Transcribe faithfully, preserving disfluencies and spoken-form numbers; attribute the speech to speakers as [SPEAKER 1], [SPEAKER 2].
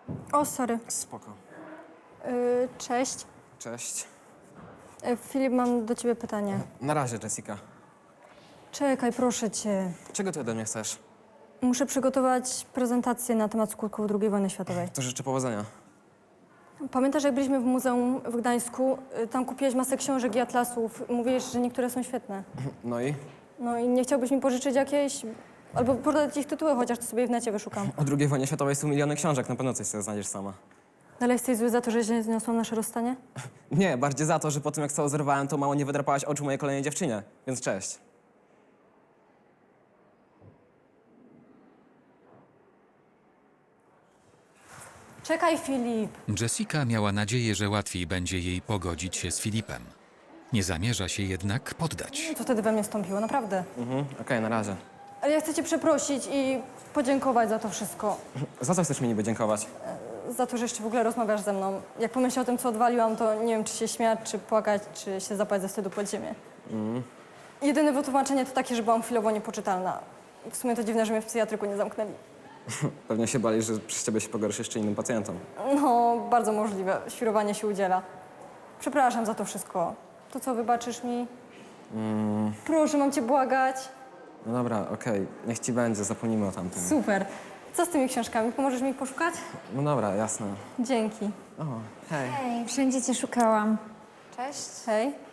[SPEAKER 1] O, sorry.
[SPEAKER 2] Spoko.
[SPEAKER 1] Yy, cześć.
[SPEAKER 2] Cześć.
[SPEAKER 1] Yy, Filip, mam do ciebie pytanie.
[SPEAKER 2] Na razie, Jessica.
[SPEAKER 1] Czekaj, proszę cię.
[SPEAKER 2] Czego ty ode mnie chcesz?
[SPEAKER 1] Muszę przygotować prezentację na temat skutków drugiej wojny światowej.
[SPEAKER 2] To życzę powodzenia.
[SPEAKER 1] Pamiętasz, jak byliśmy w muzeum w Gdańsku? Yy, Tam kupiłeś masę książek i atlasów. Mówiłeś, że niektóre są świetne.
[SPEAKER 2] No i?
[SPEAKER 1] No i nie chciałbyś mi pożyczyć jakiejś... Albo podać ich tytuły, chociaż to sobie w necie wyszukam.
[SPEAKER 2] O drugiej wojnie światowej są miliony książek, na pewno coś sobie znajdziesz sama.
[SPEAKER 1] Dalej jesteś zły za to, że źle zniosłam nasze rozstanie?
[SPEAKER 2] Nie, bardziej za to, że po tym jak cało zerwałem, to mało nie wydrapałaś oczu mojej kolejnej dziewczynie. Więc cześć.
[SPEAKER 1] Czekaj, Filip.
[SPEAKER 3] Jessica miała nadzieję, że łatwiej będzie jej pogodzić się z Filipem. Nie zamierza się jednak poddać.
[SPEAKER 1] Co wtedy we mnie wstąpiło, naprawdę.
[SPEAKER 2] Mhm, okej, na razie.
[SPEAKER 1] Ale ja chcę cię przeprosić i podziękować za to wszystko.
[SPEAKER 2] Za co chcesz mi niby dziękować?
[SPEAKER 1] Za to, że jeszcze w ogóle rozmawiasz ze mną. Jak pomyślę o tym, co odwaliłam, to nie wiem, czy się śmiać, czy płakać, czy się zapać ze wstydu pod ziemię.
[SPEAKER 2] Mm.
[SPEAKER 1] Jedyne wytłumaczenie to takie, że byłam chwilowo niepoczytalna. W sumie to dziwne, że mnie w psychiatryku nie zamknęli.
[SPEAKER 2] Pewnie się bali, że przez ciebie się pogorszy jeszcze innym pacjentom.
[SPEAKER 1] No, bardzo możliwe. Świrowanie się udziela. Przepraszam za to wszystko. To co, wybaczysz mi?
[SPEAKER 2] Mm.
[SPEAKER 1] Proszę, mam cię błagać.
[SPEAKER 2] No dobra, okej, niech ci będzie, zapomnijmy o tamtym.
[SPEAKER 1] Super. Co z tymi książkami? Pomożesz mi ich poszukać?
[SPEAKER 2] No dobra, jasne.
[SPEAKER 1] Dzięki.
[SPEAKER 2] O, hej.
[SPEAKER 4] Hej, wszędzie cię szukałam.
[SPEAKER 1] Cześć. Hej.